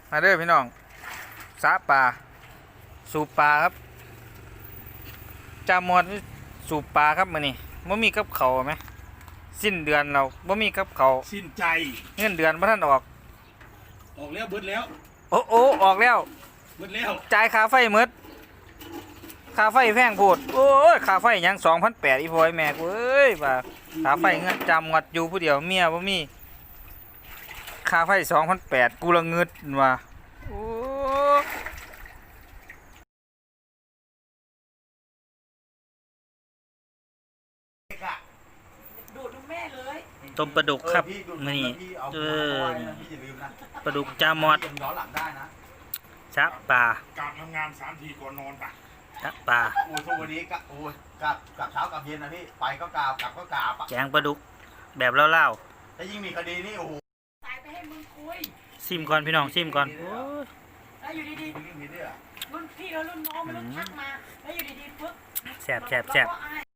มาเด้อพี่น้องสาปลาสูบปลาครับจามอดสูบปลาครับมื้อนี้บ่มีกับเขาวไหมสิ้นเดือนเราบ่มีกับเขาวสิ้นใจเงินเดือนบ่ทันออกออกแล้วเบิดแล้วโอ้โอ้ออกแล้วเบิดแล้วจ่ายค่าไฟหมดค่าไฟแพงโพดโอ้ยค่าไฟหยัง 2,800 อีพ่อยแม่กูเอ้ยว่าค่าไฟเงินจำงัดอยู่ผู้เดียวเมียบ่มีค่าไฟ 2,800 กูละเงิดว่าโอ้ดูดดูแม่เลยต้มปลาดุกครับพี่ดูมื้อนี้พี่เอาเอมาอไว้นะพี่อย่าลืมนะปลาดุกจามอดย้อนหลังได้นะชะปลาการทำงาน3 ทีก่อนนอนปะชะปลาโอ้ยทุกวันนี้ก็โอ้ยกลับเช้ากลับเย็นนะพี่ไปก็กราบกลับก็กราบอะแกงปลาดุกแบบเล่าถ้ายิ่งมีคดีนี่โอ้โหตายไปให้มึงคุยๆซิมก่อนพี่น้องซิมก่อนโอ้ยแล้วอยู่ดีมีเรื่องนี้ด้วยอะๆรุ่นพี่แล้วรุ่นน้องมันรุ่นทักมาแล้วอยู่ดีๆปึ๊บแซ่บแซ่บแซ่บเราก็อาย